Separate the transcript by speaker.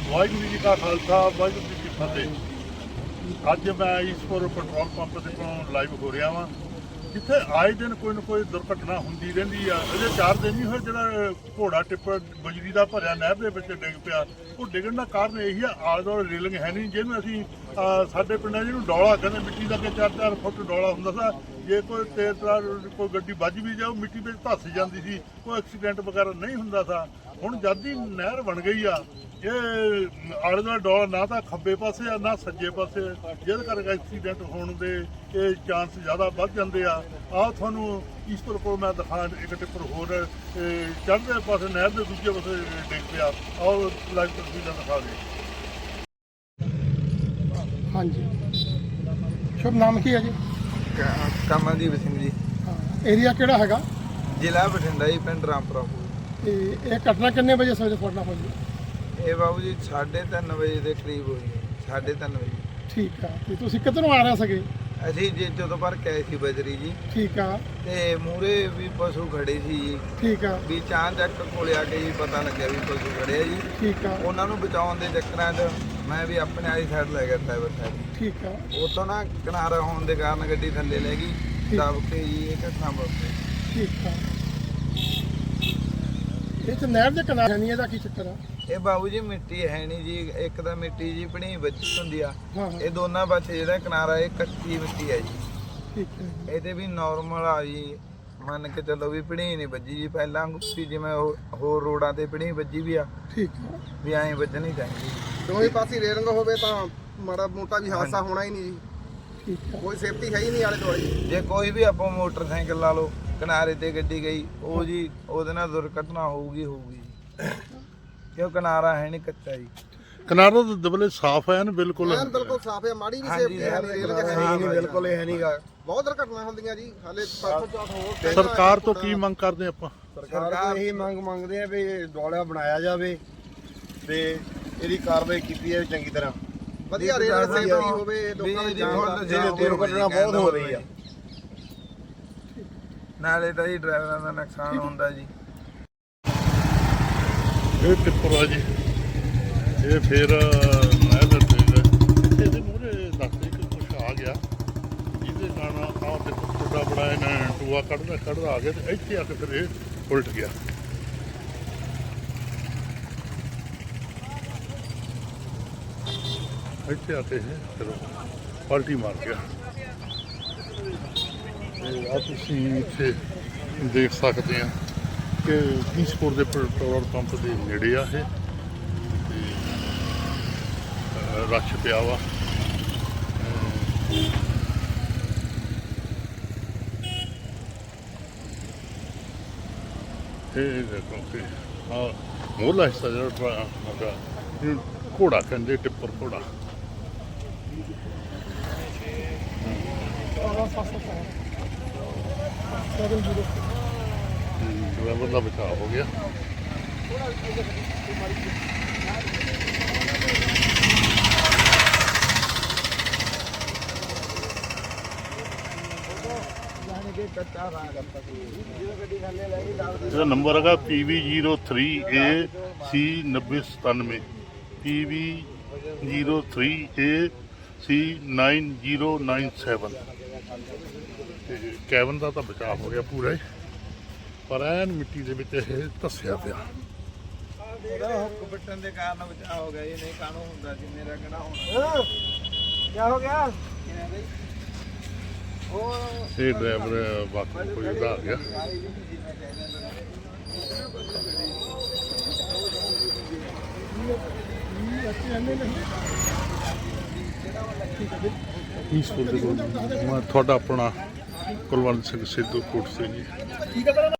Speaker 1: ਵਾਹਿਗੁਰੂ ਜੀ ਕਾ ਖਾਲਸਾ ਵਾਹਿਗੁਰੂ ਜੀ ਕੀ ਫਤਿਹ। ਅੱਜ ਮੈਂ ਈਸਪੁਰ ਪੈਟਰੋਲ ਪੰਪ ਦੇ ਕੋਲ ਲਾਈਵ ਹੋ ਰਿਹਾ ਵਾਂ, ਜਿੱਥੇ ਆਏ ਦਿਨ ਕੋਈ ਨਾ ਕੋਈ ਦੁਰਘਟਨਾ ਹੁੰਦੀ ਰਹਿੰਦੀ ਆ। ਅਜੇ 4 ਦਿਨ ਨਹੀਂ ਹੋਏ ਜਿਹੜਾ ਘੋੜਾ ਟਿੱਪਰ ਬਜਰੀ ਦਾ ਭਰਿਆ ਨਹਿਰ ਦੇ ਵਿੱਚ ਡਿੱਗ ਪਿਆ। ਉਹ ਡਿੱਗਣ ਦਾ ਕਾਰਨ ਇਹੀ ਆ, ਆਲੇ ਦੁਆਲੇ ਰੇਲਿੰਗ ਹੈ ਨਹੀਂ, ਜਿਹਨੂੰ ਅਸੀਂ ਸਾਡੇ ਪਿੰਡਾਂ ਜਿਹਨੂੰ ਡੋਲਾ ਕਹਿੰਦੇ, ਮਿੱਟੀ ਦਾ ਕਿ 4-4 ਫੁੱਟ ਡੋਲਾ ਹੁੰਦਾ ਸੀ। ਜੇ ਕੋਈ ਤੇਜ਼ ਤਰਾਰ ਕੋਈ ਗੱਡੀ ਵੱਜ ਵੀ ਜਾਓ, ਮਿੱਟੀ ਵਿੱਚ ਧੱਸ ਜਾਂਦੀ ਸੀ, ਕੋਈ ਐਕਸੀਡੈਂਟ ਵਗੈਰਾ ਨਹੀਂ ਹੁੰਦਾ ਸੀ। ਹੁਣ ਜਦ ਦੀ ਨਹਿਰ ਬਣ ਗਈ ਆ, ਇਹ ਆਲੇ ਦੁਆਲੇ ਡੋਲਾ ਨਾ ਤਾਂ ਖੱਬੇ ਪਾਸੇ ਆ ਨਾ ਸੱਜੇ ਪਾਸੇ, ਜਿਹਦੇ ਕਰਕੇ ਐਕਸੀਡੈਂਟ ਹੋਣ ਦੇ ਇਹ ਚਾਂਸ ਜ਼ਿਆਦਾ ਵੱਧ ਜਾਂਦੇ ਆ। ਆਹ ਤੁਹਾਨੂੰ ਈਸਪੁਰ ਕੋਲ ਮੈਂ ਦਿਖਾ, ਇੱਕ ਟਿੱਪਰ ਹੋਰ ਚੜ੍ਹਦੇ ਪਾਸੇ ਨਹਿਰ ਦੇ ਦੂਜੇ ਪਾਸੇ ਡਿੱਗ ਪਿਆ। ਆਹ ਲਾਈਵ ਤਸਵੀਰਾਂ ਦਿਖਾ ਦੇ।
Speaker 2: ਹਾਂਜੀ, ਸ਼ੁਭ ਨਾਮ ਕੀ ਹੈ ਜੀ?
Speaker 3: ਕਮਲਦੀਪ ਸਿੰਘ ਜੀ।
Speaker 2: ਏਰੀਆ ਕਿਹੜਾ ਹੈਗਾ?
Speaker 3: ਜ਼ਿਲ੍ਹਾ ਬਠਿੰਡਾ ਜੀ, ਪਿੰਡ ਰਾਮਪੁਰਾ।
Speaker 2: ਤੇ ਇਹ ਘਟਨਾ ਕਿੰਨੇ ਵਜੇ ਸਵੇਰੇ ਤੁਹਾਡਾ ਹੋਈ?
Speaker 3: ਇਹ ਬਾਬੂ ਜੀ 3:30 ਵਜੇ ਦੇ ਕਰੀਬ ਹੋਈ ਹੈ। 3:30 ਵਜੇ।
Speaker 2: ਠੀਕ ਆ। ਤੇ ਤੁਸੀਂ ਕਿੱਧਰੋਂ ਆ ਰਹੇ ਸੀਗੇ?
Speaker 3: ਅਸੀਂ ਜੀ ਜਦੋਂ ਭਰ ਕੇ ਆਏ ਸੀ ਬਜਰੀ ਜੀ।
Speaker 2: ਠੀਕ ਆ।
Speaker 3: ਤੇ ਮੂਰੇ ਵੀ ਪਸ਼ੂ ਖੜੇ ਸੀ ਜੀ।
Speaker 2: ਠੀਕ ਆ।
Speaker 3: ਵੀ ਚਾਂਚੱਕ ਕੋਲੇ ਆ ਕੇ ਜੀ ਪਤਾ ਲੱਗਿਆ ਵੀ ਪਸ਼ੂ ਖੜੇ ਆ ਜੀ।
Speaker 2: ਠੀਕ ਆ।
Speaker 3: ਉਹਨਾਂ ਨੂੰ ਬਚਾਉਣ ਦੇ ਚੱਕਰਾਂ 'ਚ ਮੈਂ ਵੀ ਆਪਣੇ ਵਾਲੀ ਸਾਈਡ ਲੈ ਗਿਆ, ਡਰਾਈਵਰ ਸਾਈਡ।
Speaker 2: ਠੀਕ ਆ।
Speaker 3: ਉਤੋਂ ਨਾ ਕਿਨਾਰਾ ਹੋਣ ਦੇ ਕਾਰਨ ਗੱਡੀ ਥੱਲੇ ਲੈ ਗਈ, ਦਬ ਕੇ ਜੀ ਇਹ ਘਟਨਾ ਵਾਪਰੀ। ਠੀਕ
Speaker 2: ਆ। ਇਹ ਤਾਂ ਨਹਿਰ ਦੇ ਕਿਨਾਰੇ ਨਹੀਂ, ਇਹਦਾ ਕੀ ਚੱਕਰ ਆ?
Speaker 3: ਇਹ ਬਾਬੂ ਜੀ ਮਿੱਟੀ ਹੈ ਨਹੀਂ ਜੀ, ਇੱਕ ਤਾਂ ਮਿੱਟੀ ਜੀ ਭਣੀ ਵੱਜੀ ਹੁੰਦੀ ਆ।
Speaker 2: ਹਾਂ।
Speaker 3: ਇਹ ਦੋਨਾਂ ਪਾਸੇ ਜਿਹੜਾ ਕਿਨਾਰਾ ਇਹ ਕੱਚੀ ਮਿੱਟੀ ਹੈ ਜੀ।
Speaker 2: ਠੀਕ ਹੈ।
Speaker 3: ਇਹਦੇ ਵੀ ਨਾਰਮਲ ਆ ਜੀ, ਮੰਨ ਕੇ ਚੱਲੋ ਵੀ ਭਣੀ ਨਹੀਂ ਵੱਜੀ ਜੀ। ਪਹਿਲਾਂ ਗੁੱਸੀ ਜਿਵੇਂ ਹੋਰ ਰੋਡਾਂ ਤੇ ਭਣੀ ਵੱਜੀ ਵੀ ਆ।
Speaker 2: ਠੀਕ ਆ।
Speaker 3: ਵੀ ਐਂ ਵੱਜਣੀ ਚਾਹੀਦੀ।
Speaker 4: ਦੋਵੇਂ ਪਾਸੇ ਰੇਲਿੰਗ ਹੋਵੇ ਤਾਂ ਮਾੜਾ ਮੋਟਾ ਵੀ ਹਾਦਸਾ ਹੋਣਾ ਹੀ ਨਹੀਂ ਜੀ।
Speaker 2: ਠੀਕ ਆ।
Speaker 4: ਕੋਈ ਸੇਫਟੀ ਹੈ ਹੀ ਨਹੀਂ ਆਲੇ ਦੁਆਲੇ।
Speaker 3: ਜੇ ਕੋਈ ਵੀ ਆਪਾਂ ਮੋਟਰਸਾਈਕਲ ਲਾ ਲਓ, ਕਿਨਾਰੇ ਤੇ ਗੱਡੀ ਗਈ, ਉਹ ਜੀ ਉਹਦੇ ਨਾਲ ਦੁਰਘਟਨਾ ਹੋਊਗੀ ਜੀ। ਕਿਉਂ ਕਿਨਾਰਾ ਹੈ ਨਹੀਂ, ਕੱਚਾ ਜੀ।
Speaker 1: ਕਿਨਾਰਾ ਤਾਂ ਦਬਲੇ ਸਾਫ਼ ਹੈ ਨਾ, ਬਿਲਕੁਲ
Speaker 4: ਬਿਲਕੁਲ ਸਾਫ਼ ਹੈ, ਮਾੜੀ ਵੀ ਸੇਫਟੀ ਹੈ ਨਹੀਂ, ਰੇਲਿੰਗ ਹੈ ਨਹੀਂ,
Speaker 3: ਬਿਲਕੁਲ ਇਹ ਨਹੀਂਗਾ।
Speaker 4: ਬਹੁਤ ਦੁਰਘਟਨਾ ਹੁੰਦੀਆਂ ਜੀ। ਹਾਲੇ ਪਰਸੋਂ ਚੌਥ ਹੋਰ
Speaker 1: ਸਰਕਾਰ ਤੋਂ ਕੀ ਮੰਗ ਕਰਦੇ ਆਪਾਂ?
Speaker 5: ਸਰਕਾਰ ਤੋਂ ਇਹੀ ਮੰਗ ਮੰਗਦੇ ਆ ਵੀ ਡੋਲਾ ਬਣਾਇਆ ਜਾਵੇ ਤੇ ਇਹਦੀ ਕਾਰਵਾਈ ਕੀਤੀ ਜਾਵੇ ਚੰਗੀ ਤਰ੍ਹਾਂ।
Speaker 4: ਵਧੀਆ ਰੇਲਿੰਗ ਸੇਫਟੀ ਹੋਵੇ, ਲੋਕਾਂ ਦੀ ਜਾਨ ਦਾ
Speaker 5: ਦੁਰਘਟਨਾ ਬਹੁਤ ਹੋ ਰਹੀ ਆ।
Speaker 3: ਨਾਲੇ ਤਾਂ ਜੀ ਡਰਾਈਵਰਾਂ ਦਾ ਨੁਕਸਾਨ ਹੁੰਦਾ ਜੀ।
Speaker 1: ਇਹ ਟਿੱਪਰ ਆ ਜੀ, ਇਹ ਫਿਰ ਨਹਿਰ ਦੇ ਤੇਜ਼ ਇਹਦੇ ਮੂਹਰੇ ਦੱਸਦੇ ਕਿ ਕੁਛ ਆ ਗਿਆ, ਜਿਹਦੇ ਕਾਰਨ ਆਹ ਟਿੱਪਰ ਟੁੱਟਾ ਬੜਾ ਇਹਨਾਂ ਟੂਆ ਕੱਢਦਾ ਆ ਗਿਆ ਤੇ ਇੱਥੇ ਆ ਕੇ ਫਿਰ ਇਹ ਉਲਟ ਗਿਆ। ਇੱਥੇ ਆ ਕੇ ਇਹ ਫਿਰ ਪਲਟੀ ਮਾਰ ਗਿਆ। ਆ ਤੁਸੀਂ ਇੱਥੇ ਦੇਖ ਸਕਦੇ ਆ ਕਿ ਈਸਪੁਰ ਦੇ ਪੈਟਰੋਲ ਪੰਪ ਦੇ ਨੇੜੇ ਆ ਇਹ, ਤੇ ਰੱਛ ਪਿਆ ਵਾ। ਇਹ ਦੇਖੋ ਕਿ ਆਹ ਮੋਹਲਾ ਹਿੱਸਾ ਜਿਹੜਾ ਹੈਗਾ, ਇਹਨੂੰ ਘੋੜਾ ਕਹਿੰਦੇ, ਟਿੱਪਰ ਘੋੜਾ। ਡਰਾਈਵਰ ਦਾ ਬਚਾਅ ਹੋ ਗਿਆ। ਇਹਦਾ ਨੰਬਰ ਹੈਗਾ PV03AC9097, PV03AC9097। ਕੈਬਨ ਦਾ ਤਾਂ ਬਚਾਅ ਹੋ ਗਿਆ ਪੂਰਾ ਹੀ, ਪਰ ਐਨ ਮਿੱਟੀ ਦੇ ਵਿੱਚ ਇਹ ਧੱਸਿਆ ਪਿਆ।
Speaker 3: ਉਹਦਾ ਹੁੱਕ ਵੱਟਣ ਦੇ ਕਾਰਨ ਬਚਾਅ ਹੋ ਗਿਆ ਜੀ, ਨਹੀਂ ਕਾਹਨੂੰ ਹੁੰਦਾ ਜੀ, ਮੇਰਾ ਕਿਹੜਾ ਹੋਣਾ।
Speaker 4: ਕੀ ਹੋ ਗਿਆ?
Speaker 1: ਇਹ ਡਰਾਈਵਰ ਬਾਕੀ ਕੋਈ ਉਹਦਾ ਆ ਗਿਆ। ਈਸਪੁਰ ਦੇ ਕੋਲ ਮੈਂ ਤੁਹਾਡਾ ਆਪਣਾ ਕੁਲਵੰਤ ਸਿੰਘ ਸਿੱਧੂ ਕੋਟ ਸਿੰਘ ਜੀ।